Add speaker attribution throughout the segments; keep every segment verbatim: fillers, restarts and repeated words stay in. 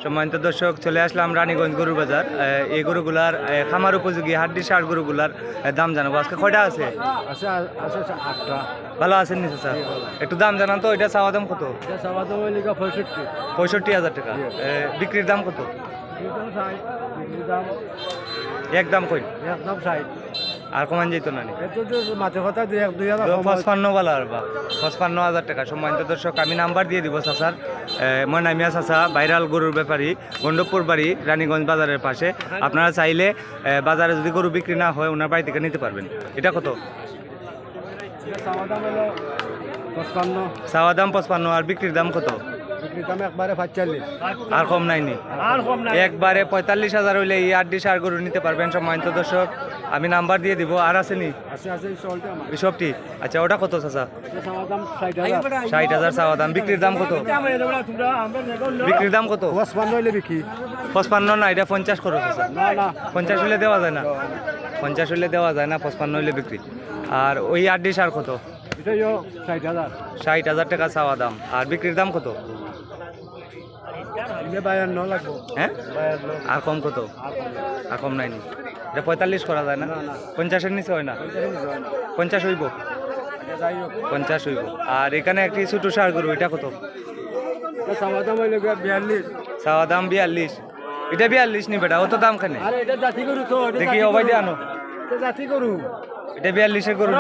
Speaker 1: সম্মানিত দর্শক, চলে আসলাম রানীগঞ্জ গরুর বাজার। এই গরুগুলার খামার উপযোগী হাড্ডি সার গরুগুলার দাম জানাবো। আজকে কয়টা আছে?
Speaker 2: আছে আছে আটটা।
Speaker 1: ভালো আছেন নিচে স্যার? একটু দাম জানান তো। এটা চাওয়া দাম কত?
Speaker 2: এটা চাওয়া দাম হইলে পঁয়ষট্টি
Speaker 1: পঁয়ষট্টি হাজার টাকা। বিক্রির দাম কত? একদম কই?
Speaker 2: একদম ষাট।
Speaker 1: আর কমান যেত না?
Speaker 2: মাঝে কথা দুই এক দুই হাজার
Speaker 1: পঁচপান্ন বলা আর বা পঁচপান্ন হাজার টাকা। সম্মানিত দর্শক, আমি নাম্বার দিয়ে দিব চাচার। ময়নামিয়া চাচা ভাইরাল গরুর ব্যাপারী, গন্ডপুর বাড়ি, রানীগঞ্জ বাজারের পাশে। আপনারা চাইলে বাজারে যদি গরু বিক্রি না হয় ওনার বাড়ি থেকে নিতে পারবেন। এটা কত?
Speaker 2: চাওয়া দাম হলো পঁচপান্ন।
Speaker 1: চাওয়া দাম পঁচপান্ন। আর বিক্রির দাম কত?
Speaker 2: বিক্রির দাম একবারে পঁয়তাল্লিশ।
Speaker 1: আর কম নাইনি?
Speaker 2: আর কম নাই।
Speaker 1: একবারে পঁয়তাল্লিশ হাজার হইলে এই আটটি সার গরু নিতে পারবেন। সম্মানিত দর্শক, আমি নাম্বার দিয়ে দিব। আর আসেনি
Speaker 2: আছে আছে চলতে আমার
Speaker 1: সবটি? আচ্ছা, ওটা কত চাচা?
Speaker 2: চাওয়া দাম ষাট হাজার।
Speaker 1: ষাট হাজার চাওয়া দাম। বিক্রির দাম কত? বিক্রির দাম কত?
Speaker 2: পঁচপান্ন হইলে বিক্রি।
Speaker 1: পঁচপান্ন না, এটা পঞ্চাশ করো চাচা।
Speaker 2: না না
Speaker 1: পঞ্চাশ হইলে দেওয়া যায় না? পঞ্চাশ হইলে দেওয়া যায় না, পঁচপান্ন হইলে বিক্রি। আর ওই আটটি সার কত?
Speaker 2: এটাই ষাট হাজার।
Speaker 1: ষাট হাজার টাকা চাওয়া দাম। আর বিক্রির দাম কত?
Speaker 2: বায়ান্ন লাগবো।
Speaker 1: হ্যাঁ,
Speaker 2: বায়ান্ন।
Speaker 1: আর কম কত? আর কম নাইনি? এটা পঁয়তাল্লিশ করা যায় না? পঞ্চাশের নিচে হয় না? পঞ্চাশ হইব?
Speaker 2: যাই হোক
Speaker 1: পঞ্চাশ হইব। আর এখানে একটি ছোটো সার গরু, এটা কত?
Speaker 2: চাওয়া দাম হইলে বিয়াল্লিশ।
Speaker 1: চাওয়া দাম বিয়াল্লিশ। এটা বিয়াল্লিশ নি বেটা, অত দাম খানে?
Speaker 2: আরে এটা জাতি গরু তো। এটা
Speaker 1: দেখি
Speaker 2: জাতি
Speaker 1: অবাই দিয়ে
Speaker 2: গরু।
Speaker 1: আনো।
Speaker 2: এটা জাতি গরু।
Speaker 1: এটা বিয়াল্লিশের গরু নি?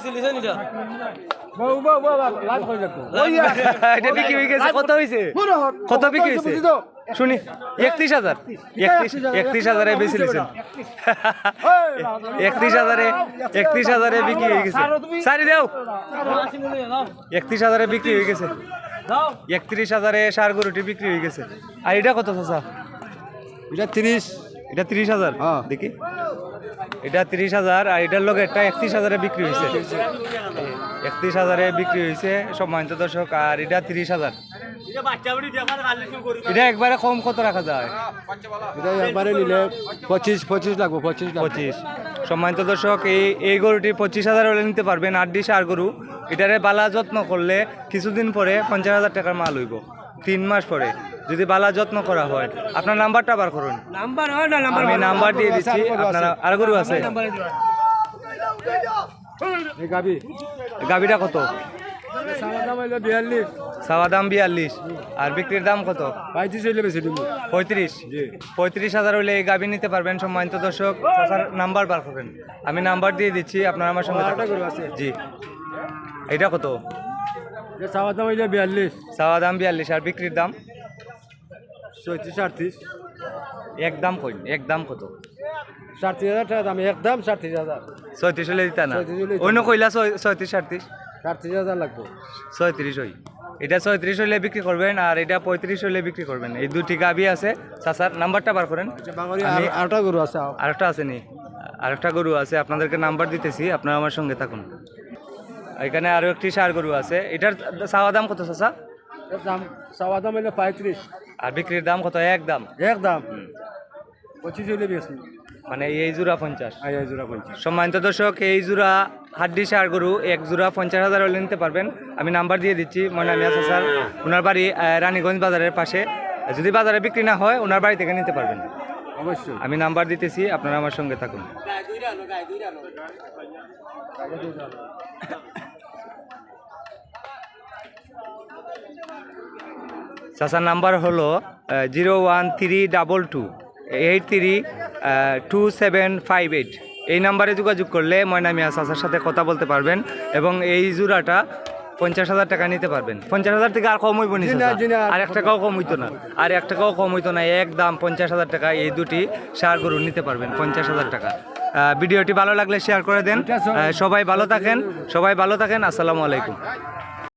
Speaker 2: বউ বউ বউ লাভ হয়ে যাবে।
Speaker 1: এটা বিক্রি হয়ে গেছে। কত হয়েছে? কত বিক্রি হয়েছে শুনি? একত্রিশ হাজার। একত্রিশ একত্রিশ হাজারে বেশি লিছেন। একত্রিশ হাজারে একত্রিশ হাজারে বিক্রি হয়ে গেছে। সারি দেও। একত্রিশ হাজারে বিক্রি হয়ে গেছে। একত্রিশ হাজারে সার গরুটি বিক্রি হয়ে গেছে। আর এটা কত চাচা?
Speaker 2: এটা তিরিশ।
Speaker 1: এটা তিরিশ হাজার।
Speaker 2: হ্যাঁ।
Speaker 1: দেখি, এটা তিরিশ হাজার। আর এটার লোক একটা একত্রিশ হাজারে বিক্রি হয়েছে। একত্রিশ হাজারে বিক্রি হয়েছে সম্মানিত দর্শক। আর এটা তিরিশ হাজার। এটা একবারে কম কত রাখা যায়?
Speaker 2: এটা একবারে নিলে পঁচিশ পঁচিশ লাগবো। পঁচিশ
Speaker 1: পঁচিশ। সম্মানিত দর্শক, এই এই গরুটি পঁচিশ হাজার হলে নিতে পারবেন। আটটি সার গরু। এটারে বালা যত্ন করলে কিছুদিন পরে পঞ্চাশ হাজার টাকার মাল হইব। তিন মাস পরে যদি বালা যত্ন করা হয়। আপনার নাম্বারটা বার করুন।
Speaker 2: নাম্বার হয় না? নাম্বার
Speaker 1: আমি নাম্বার দিয়ে দিচ্ছি। আপনারা আর গরু আছে?
Speaker 2: এই গাবি
Speaker 1: গাবিটা কত?
Speaker 2: চাওয়া দাম হইলে বিয়াল্লিশ।
Speaker 1: চাওয়া দাম বিয়াল্লিশ। আর বিক্রির দাম কত?
Speaker 2: পঁয়ত্রিশ হইলে বেশি দিব।
Speaker 1: পঁয়ত্রিশ। পঁয়ত্রিশ হাজার হইলে এই গাবি নিতে পারবেন। সম্মানিত দর্শক, চাচার নাম্বার বার করবেন। আমি নাম্বার দিয়ে দিচ্ছি, আপনারা আমার সঙ্গে
Speaker 2: আরেকটা গরু
Speaker 1: থাকুন।
Speaker 2: আছে।
Speaker 1: জি। এটা কত?
Speaker 2: এটা চাওয়া দাম হইলে বিয়াল্লিশ।
Speaker 1: চাওয়া দাম বিয়াল্লিশ। আর বিক্রির দাম?
Speaker 2: চৌত্রিশ আটত্রিশ।
Speaker 1: একদম কই? একদম কত?
Speaker 2: সাড়ত্রিশ হাজার টাকা দাম। একদম সাড়ত্রিশ হাজার।
Speaker 1: ছয়ত্রিশ হলে দিতা না?
Speaker 2: ছয়ত্রিশ হলে দিতা
Speaker 1: অন্য
Speaker 2: না।
Speaker 1: কইলা ছয়ত্রিশ সাড়ত্রিশ?
Speaker 2: সাড়ত্রিশ হাজার লাগবো।
Speaker 1: ছয়ত্রিশ হই। এটা ছয়ত্রিশ হলে বিক্রি করবেন। আর এটা পঁয়ত্রিশ হলে বিক্রি করবেন। এই দুটি গাবি আছে। চাচার নাম্বারটা বার করেন। আমি
Speaker 2: আরেকটা গরু আছে।
Speaker 1: আরেকটা আছে নি? আরেকটা গরু আছে, আপনাদেরকে নাম্বার দিতেছি, আপনারা আমার সঙ্গে থাকুন। এখানে আরো একটি সার গরু আছে। এটার চাওয়া দাম কত চাচা?
Speaker 2: এর দাম চাওয়া দাম হইলে পঁয়ত্রিশ।
Speaker 1: আর বিক্রির দাম কত? একদম
Speaker 2: একদম পঁচিশ হইলে বেশি।
Speaker 1: মানে এই জোড়া পঞ্চাশ।
Speaker 2: আই আই জোড়া পঞ্চাশ।
Speaker 1: সম্মানিত দর্শক, এই জোড়া হাড্ডি সার গরু এক জোড়া পঞ্চাশ হাজার হলে নিতে পারবেন। আমি নাম্বার দিয়ে দিচ্ছি। ময়নামিয়া চাচার, ওনার বাড়ি রানীগঞ্জ বাজারের পাশে। যদি বাজারে বিক্রি না হয় ওনার বাড়ি থেকে নিতে পারবেন।
Speaker 2: অবশ্যই।
Speaker 1: আমি নাম্বার দিতেছি, আপনারা আমার সঙ্গে থাকুন। চাচার নাম্বার হলো zero one three double two eight three two seven five eight. এই নাম্বারে যোগাযোগ করলে ময়নামিয়া চাচার সাথে কথা বলতে পারবেন এবং এই জোড়াটা পঞ্চাশ হাজার টাকা নিতে পারবেন। পঞ্চাশ হাজার থেকে আর কম হইব নি? আর এক টাকাও কম হইতো না। আর এক টাকাও কম হইতো না। একদম পঞ্চাশ হাজার টাকা এই দুটি সার গরু নিতে পারবেন। পঞ্চাশ হাজার টাকা। ভিডিওটি ভালো লাগলে শেয়ার করে দেন। সবাই ভালো থাকেন, সবাই ভালো থাকেন। আসসালামু আলাইকুম।